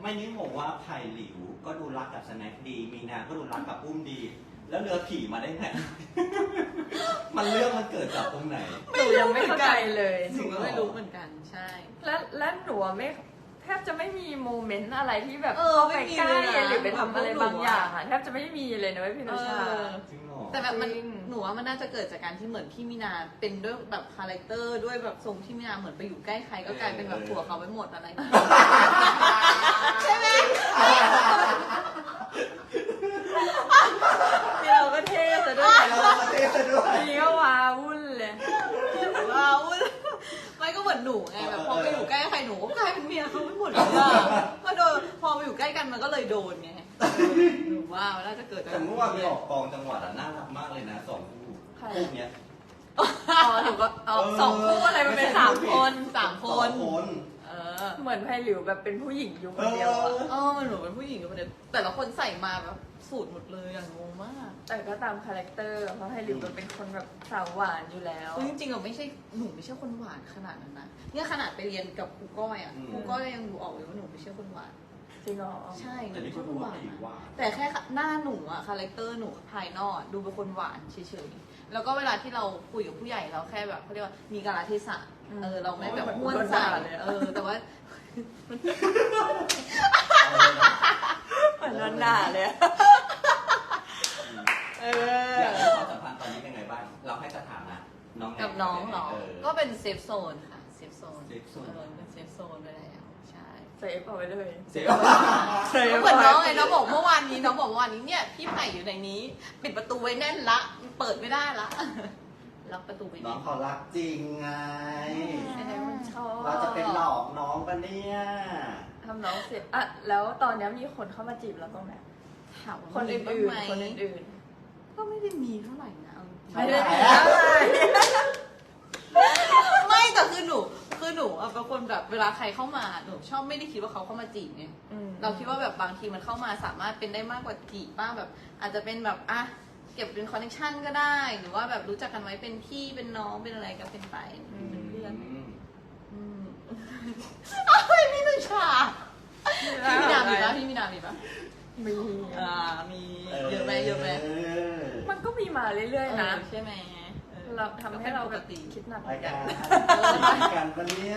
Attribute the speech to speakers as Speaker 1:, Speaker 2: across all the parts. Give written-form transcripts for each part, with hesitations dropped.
Speaker 1: ไม่นี่บอกว่าไผ่หลิวก็ดูรักกับสแน็คดี มีนาก็ดูรักกับอุ้มดี แล้วเรือผีมาได้ไง มันเรื่องมันเกิดจากตรงไหน
Speaker 2: หนูยังไม่เข้าใจเลย
Speaker 3: หนูก็ไม่รู้เหมือนกันใช่
Speaker 2: และหนูไม่แทบจะไม่มีโมเมนต์อะไรที่แบบ
Speaker 3: ไม่
Speaker 2: ไป
Speaker 3: มี
Speaker 2: ใกล้
Speaker 3: เลยนะ
Speaker 2: หรือไปทำอะไรบางอย่างอะแทบจะไม่มีเลยนะพี่นุชา
Speaker 1: จริงเหรอ
Speaker 3: แต่แบบมัน
Speaker 2: จริง
Speaker 3: หนูว่ามันน่าจะเกิดจากการที่เหมือนพี่มีนาเป็นด้วยแบบคาแรคเตอร์ด้วยแบบทรงที่มีนาเหมือนไปอยู่ใกล้ใครก็กลายเป็นแบบผัวเขาไปหมดอะไรอย่างเงี้ยใช่ไหม
Speaker 2: นี่เราก็เท่ซะด้วย
Speaker 1: เราประเทศด้วย
Speaker 2: นี่ก็ว้าวุ่นเลย
Speaker 3: ว้าวไม่ก็เหมือนหนูไงแบบพอไปอยู่ใกล้ใครหนูก็กลายเป็นเมียเขาไปหมดเลยอะพอไปอยู่ใกล้กันมันก็เลยโดนไงหนูว่ามันน่าจะเกิดจาก
Speaker 1: แต่เมื่อวานไปออกกองจังหวัดอ่ะน่ารักมากเลยนะ2 คู่คู่เนี้ย
Speaker 3: หนูก็สองคู่อะไรมันเป็นสามคน
Speaker 2: เหมือนไพหลิวแบบเป็นผู้หญิงอยู่คนเดียวอะ
Speaker 3: มันหนูเป็นผู้หญิงกับคนเดียวแต่ละคนใส่มาแบบสูตรหมดเลยอย่างงงมาก
Speaker 2: แต่ก็ตามคาแรคเตอร์เพราะไพหลิวมันเป็นคนแบบสาวหวานอยู่แล้ว
Speaker 3: จริงๆหนูไม่ใช่คนหวานขนาดนั้นนะเนี่ยขนาดไปเรียนกับครูก้อยอ่ะครูก้อยยังดูออกเลยว่าหนูไม่ใช่คนหวาน
Speaker 2: จริงเหรอ
Speaker 3: ใช่หนู
Speaker 1: แต่นี่
Speaker 3: ไม่
Speaker 1: ก็
Speaker 3: ใช่คน
Speaker 1: รู้
Speaker 3: ห
Speaker 1: ว่าว
Speaker 3: าน
Speaker 1: ผีว่า
Speaker 3: แต่แค่หน้าหนูอะคาแรคเตอร์หนูภายนอกดูเป็นคนหวานเฉยๆแล้วก็เวลาที่เราคุยกับผู้ใหญ่เราแค่แบบเขาเรียกว่ามีกาลเทศะเราไม่แบบม้วนใส่แต่ว่า
Speaker 2: เหมือนนอนด่าเลยอะ
Speaker 1: อยากรู้ความสัมพันธ์ตอนนี้เป็นไงบ้าง เราให้สถานะน้อง
Speaker 3: กับน้องเหรอก็เป็นเซฟโซนค่ะเซฟโซน
Speaker 1: เซฟโซน
Speaker 3: เป็นเซฟโซนไปแล้วใช่
Speaker 2: เซฟเอาไว้เลย
Speaker 1: เซฟ
Speaker 3: เหมือนน้องไงน้องบอกเมื่อวานนี้เนี่ยพี่ไผ่อยู่ในนี้ ปิดประตูไว้แน่นละเปิดไม่ได้ละล็อกประตูไว้
Speaker 1: น้
Speaker 3: แน่
Speaker 1: อง
Speaker 3: น
Speaker 1: เขารักจริงไง
Speaker 2: อันนี้มันชอบ
Speaker 1: เราจะเป็นหลอกน้องปะเนี่ย
Speaker 2: ทำน้องเสร็จอะแล้วตอนนี้มีคนเข้ามาจีบเราบ้างไหม
Speaker 3: ถามว่า
Speaker 2: คน
Speaker 3: มี
Speaker 2: อื่น
Speaker 3: บ้างไหม
Speaker 2: ๆคนอื่น
Speaker 3: ก็ไม่ได้มีเท่าไหร่นะเอาจริง
Speaker 2: ๆไม่ได้มีอะไร
Speaker 3: ไม่แต่คือหนูอะเป็นคนแบบเวลาใครเข้ามาหนูชอบไม่ได้คิดว่าเขาเข้ามาจีบไงเราคิดว่าแบบบางทีมันเข้ามาสามารถเป็นได้มากกว่าจีบบ้างแบบ อาจจะเป็นแบบเก็บเป็นคอนเนคชั่นก็ได้ หรือว่าแบบรู้จักกันไว้เป็นพี่เป็นน้องเป็นอะไรก็เป็นไปเป็นเพื่อนพี่นุชาพี่มีนามีปะพี่มีนามีปะ
Speaker 2: มี
Speaker 3: มีเยอะไหมเยอะไหม
Speaker 2: มันก็มีมาเรื่อยๆนะ
Speaker 3: ใช่ไหม
Speaker 2: เราทำให้เรา
Speaker 3: ป
Speaker 2: แบ
Speaker 3: ก
Speaker 1: ร
Speaker 2: บ
Speaker 1: าย
Speaker 2: คิดหนัก
Speaker 1: รายการปะเนี่ย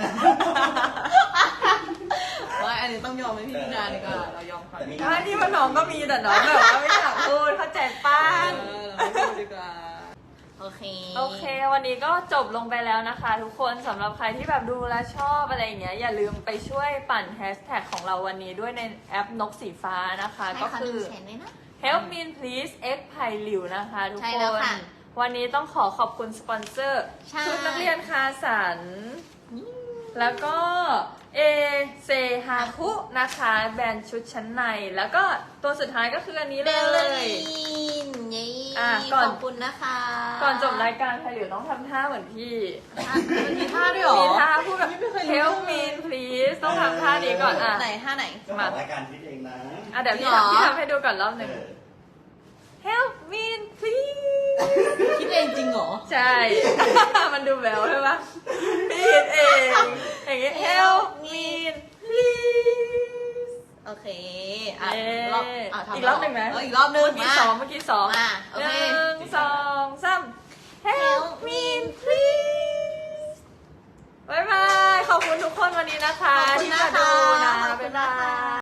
Speaker 3: ว่าอันนี้ต้องยอมให้พี่มีนาดีกว่าเรายอมเขาดีก
Speaker 2: ถ้าที่ว่าน้องก็มีแต่น้องแบบว่าไม่อยากพูดเข้าใจป้า
Speaker 3: เราไม่พูดดีกว่าโอเค
Speaker 2: โอเค วันนี้ก็จบลงไปแล้วนะคะ ทุกคนสำหรับใครที่แบบดูและชอบอะไรอย่างเงี้ยอย่าลืมไปช่วยปั่นแฮชแท็กของเราวันนี้ด้วยในแอปนกสีฟ้านะคะ ก็คือ Help me please X ไผ่หลิวนะคะทุก
Speaker 3: ใช่
Speaker 2: ค
Speaker 3: แล้ว
Speaker 2: น
Speaker 3: ค่ะ
Speaker 2: วันนี้ต้องขอบคุณสปอนเซอร์
Speaker 3: ใช่
Speaker 2: ชุดนักเรียนคาสัน แล้วก็เอเซฮาคุนะคะแบรนด์ชุดชั้นใน แล้วก็ตัวสุดท้ายก็คืออันนี้
Speaker 3: เบ
Speaker 2: เล
Speaker 3: ลลี่
Speaker 2: ย
Speaker 3: ขอบคุณนะคะ
Speaker 2: ก่อนจบรายการไทยหลิวต้องทำท่าเหมือนพี่
Speaker 3: มันมีท่าด้วยเหรอ
Speaker 2: มีท่าพูดแบบ Help me please ต้องทำท่านี้ก่อนอ่ะ
Speaker 3: ไหนท่าไหน
Speaker 1: เจ้าของรายการคิดเองนะ
Speaker 2: อ่ะเดี๋ยว
Speaker 3: จริงเหรอ
Speaker 2: พี่ทำให้ดูก่อนรอบหนึ่ง Help me please
Speaker 3: คิดเองจริงเหรอ
Speaker 2: ใช่ มันดูแววใช่ปะพี่คิดเองอย่างเงี้ย Help me please
Speaker 3: โอเค
Speaker 2: เย้
Speaker 3: ทำ
Speaker 2: อีกรอบหนึ่งไหม
Speaker 3: อีกรอบหนึ่ง
Speaker 2: เมื่อกี้สองเมื่อกี้สอง
Speaker 3: โอ
Speaker 2: ห
Speaker 3: เค
Speaker 2: นึ่งสองสาม Help me please บ๊ายบาย ขอบคุณทุกคนวันนี้นะคะ
Speaker 3: ขอบคุณ
Speaker 2: ที่
Speaker 3: นะ
Speaker 2: มาดู
Speaker 3: คะ
Speaker 2: นะ
Speaker 3: ขอบคุ
Speaker 2: บ๊า
Speaker 3: ณ
Speaker 2: ย
Speaker 3: นะ
Speaker 2: บา
Speaker 3: คะ
Speaker 2: ย